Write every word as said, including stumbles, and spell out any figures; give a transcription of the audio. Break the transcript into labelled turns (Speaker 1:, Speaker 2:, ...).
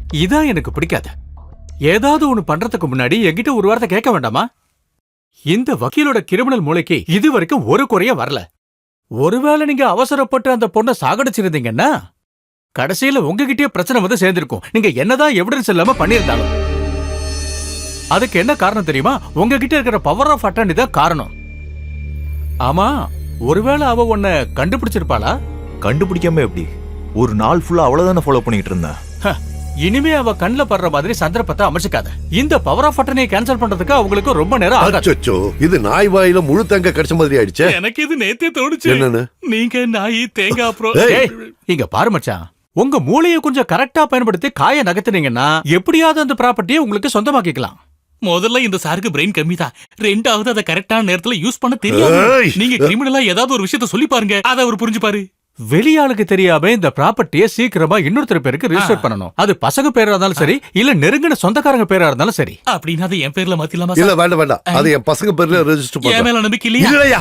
Speaker 1: இதான் எனக்கு பிடிக்காது. ஏதாவது ஒண்ணு பண்றதுக்கு முன்னாடி என்கிட்ட ஒரு வார்த்தை கேட்க வேண்டாமா? இந்த வக்கீலோட கிரிமினல் மூளைக்கு இது வரைக்கும் ஒரு குறைய வரல. ஒருவேளை நீங்க அவசரப்பட்டு அந்த பொண்ணை சாகடிச்சிருந்தீங்கன்னா கடைசியில உங்ககிட்டயே பிரச்சனை வந்து சேர்ந்திருக்கும். நீங்க என்னதான் எவிடன்ஸ் இல்லாம பண்ணிருந்தாலும். அதுக்கு என்ன காரணம் தெரியுமா? உங்ககிட்ட இருக்கிற பவர் ஆஃப் அட்டர்னி தான் காரணம். ஆமா, ஒருவேளை அவ உன்னை கண்டுபிடிச்சிருப்பாளா?
Speaker 2: கண்டுபிடிக்காம எப்படி? ஒரு நாள் ஃபுல்லா அவ்வளவுதானே ஃபாலோ பண்ணிட்டு இருந்தேன்.
Speaker 1: இனிமே அவ கண்ணுல படுற மாதிரி சந்தர்ப்பத்தை அமைச்சுக்காத. இந்த பவர் ஆஃப் அட்டர்னியை கேன்சல் பண்றதுக்கு அவங்களுக்கு ரொம்ப நேரம் ஆகாது.
Speaker 3: அச்சோ, இது நாய் வாயில முழு தேங்காய் கடிச்ச மாதிரி ஆயிடுச்சே.
Speaker 4: எனக்கு இது நேத்தே தோணுச்சு.
Speaker 3: என்னன்னு?
Speaker 4: நீங்க நாய் தேங்காய் அப்புறம்
Speaker 3: ஏய்,
Speaker 1: இங்க பாரு மச்சான், உங்க மூளையை கொஞ்சம் கரெக்டா பயன்படுத்தி காய நகர்த்துனீங்கன்னா எப்படியாவது அந்த ப்ராப்பர்ட்டியை உங்களுக்கு சொந்தமாக்கிக்கலாம்.
Speaker 4: முதல்ல இந்த சாருக்கு பிரெயின் கம்மி தான். ரெண்டாவது அதை கரெக்டான நேரத்துல யூஸ் பண்ண தெரியாது.
Speaker 3: ஏய்.
Speaker 4: நீங்க கிரிமினலா ஏதாவது ஒரு விஷயத்த சொல்லி பாருங்க, அதை அவர் புரிஞ்சுப்பாரு.
Speaker 1: வெளியாளுக்கு தெரியாம இந்த ப்ராப்பர்ட்டியை சீக்கிரமா இன்னொருத்தர் பேருக்கு ரிஜிஸ்டர் பண்ணணும். அது பசங்க பேரா இருந்தாலும் சரி, இல்ல நெருங்கின சொந்தக்காரங்க பேரா இருந்தாலும் சரி.
Speaker 4: அப்படின்னா அதை என் பேர்ல மாத்திலாமா
Speaker 3: இல்ல
Speaker 4: சார்?
Speaker 3: வேண்டாம் வேண்டாம், அது என் பசங்க பேர்ல ரெஜிஸ்டர்
Speaker 4: என்
Speaker 3: பண்ண.
Speaker 4: மேல நம்பிக்கை இல்லையா?
Speaker 3: இல்லையா?